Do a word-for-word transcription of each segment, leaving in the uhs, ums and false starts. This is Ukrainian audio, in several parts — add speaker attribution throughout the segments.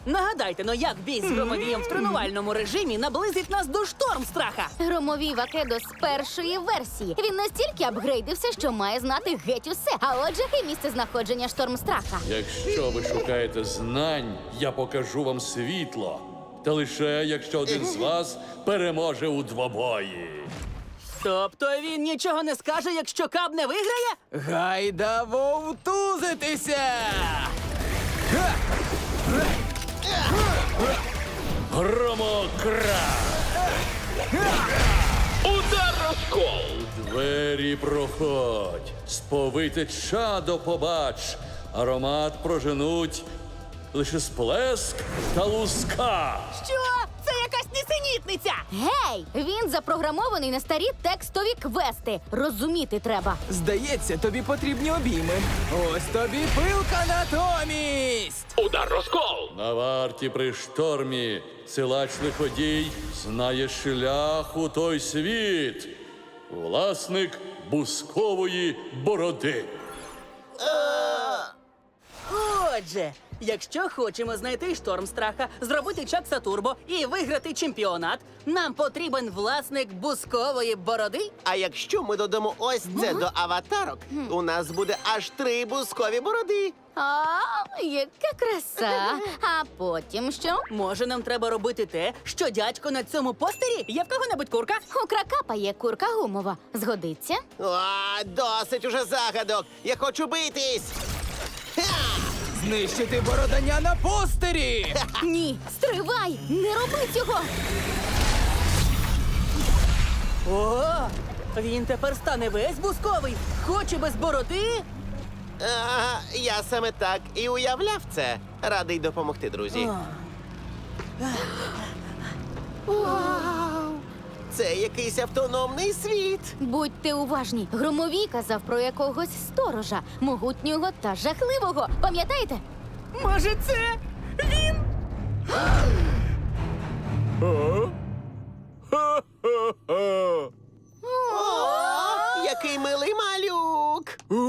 Speaker 1: Нагадайте, ну як бій з громовієм в тренувальному режимі наблизить нас до Штормстраха?
Speaker 2: Громовій Вакедо з першої версії. Він настільки апгрейдився, що має знати геть усе. А отже, і місце знаходження Штормстраха.
Speaker 3: Якщо ви шукаєте знань, я покажу вам світло. Та лише якщо один з вас переможе у двобої.
Speaker 1: Тобто він нічого не скаже, якщо Каб не виграє?
Speaker 4: Гайда вовтузитися!
Speaker 3: Громокра!
Speaker 5: Удар розкол!
Speaker 3: Двері проходь, сповите чадо побач, аромат проженуть лише сплеск та луска.
Speaker 1: Що? Це якась нісенітниця!
Speaker 2: Гей! Він запрограмований на старі текстові квести. Розуміти треба.
Speaker 4: Здається, тобі потрібні обійми. Ось тобі пилка натомість!
Speaker 5: Удар розкол!
Speaker 3: На варті при штормі силач лиходій знає шлях у той світ. Власник бускової бороди.
Speaker 1: Отже, якщо хочемо знайти Штормстраха, зробити Чакса Турбо і виграти чемпіонат, нам потрібен власник бускової бороди.
Speaker 6: А якщо ми додамо ось це до аватарок, у нас буде аж три бускові бороди.
Speaker 2: А, яка краса! А потім що?
Speaker 1: Може, нам треба робити те, що дядько на цьому постері? Є в кого-небудь курка?
Speaker 2: У кракапа є курка гумова. Згодиться?
Speaker 6: О, досить уже загадок. Я хочу битись.
Speaker 4: Знищити бородання на постері!
Speaker 2: Ні, стривай! Не роби цього!
Speaker 1: О, він тепер стане весь бусковий. Хоче без бороди?
Speaker 6: А, я саме так і уявляв це. Радий допомогти, друзі. Вау! Це якийсь автономний світ.
Speaker 2: Будьте уважні. Громовій казав про якогось сторожа, могутнього та жахливого. Пам'ятаєте?
Speaker 1: Може, це він?
Speaker 6: О, який милий малюк.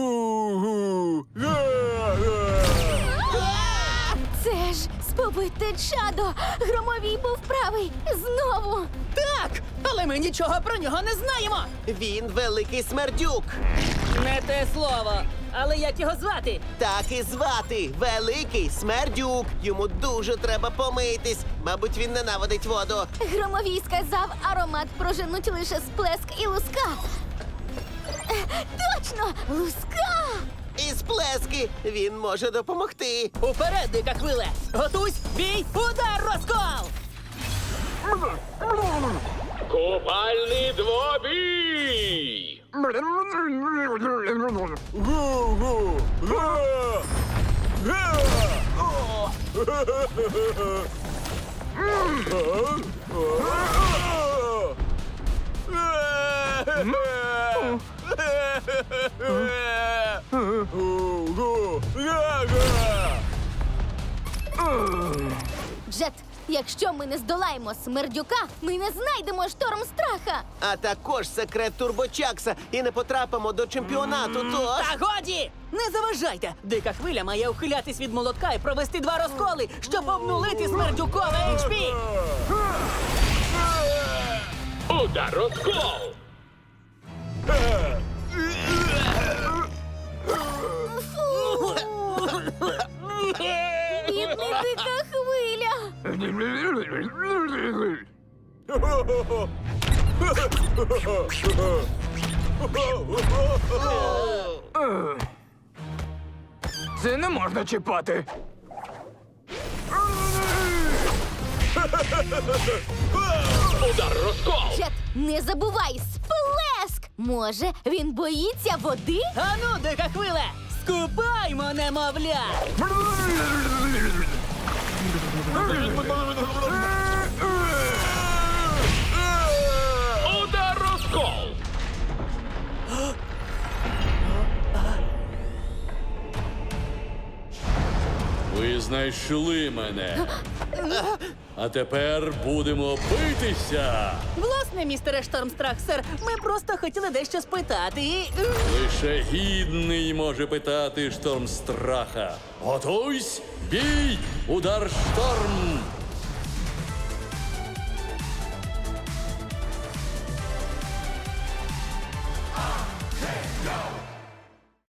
Speaker 2: Це ж спобите чадо! Громовій був правий! Знову!
Speaker 1: Так, але ми нічого про нього не знаємо.
Speaker 6: Він великий смердюк.
Speaker 1: Не те слово. Але як його звати?
Speaker 6: Так і звати Великий Смердюк. Йому дуже треба помитись. Мабуть, він ненавидить воду.
Speaker 2: Громовій сказав, аромат проженуть лише сплеск і луска. Е, Точно! Луска!
Speaker 6: І сплески він може допомогти.
Speaker 1: Уперед, дика хвиле! Готуйсь, бій, удар, розкол!
Speaker 5: Купальний двобій!
Speaker 2: Джет, якщо ми не здолаємо смердюка, ми не знайдемо Штормстраха.
Speaker 6: А також секрет Турбочакса і не потрапимо до чемпіонату, тож...
Speaker 1: Та годі! Не заважайте! Дика хвиля має ухилятись від молотка і провести два розколи, щоб обнулити смердюкове ейч пі!
Speaker 5: Удар розкол!
Speaker 2: Бідний дика хвиля.
Speaker 4: Це не можна чіпати.
Speaker 5: Удар розкол!
Speaker 2: Джет, не забувай, сплеск! Може, він боїться води?
Speaker 1: Ану, дика хвиле! Скупаймо, немовля!
Speaker 5: Удар розкол!
Speaker 3: Ви знайшли мене. А тепер будемо битися.
Speaker 1: Власне, містере Штормстрах, сер, ми просто хотіли дещо спитати. і-
Speaker 3: Лише гідний може питати шторм страха. Готуйсь, бій, удар шторм.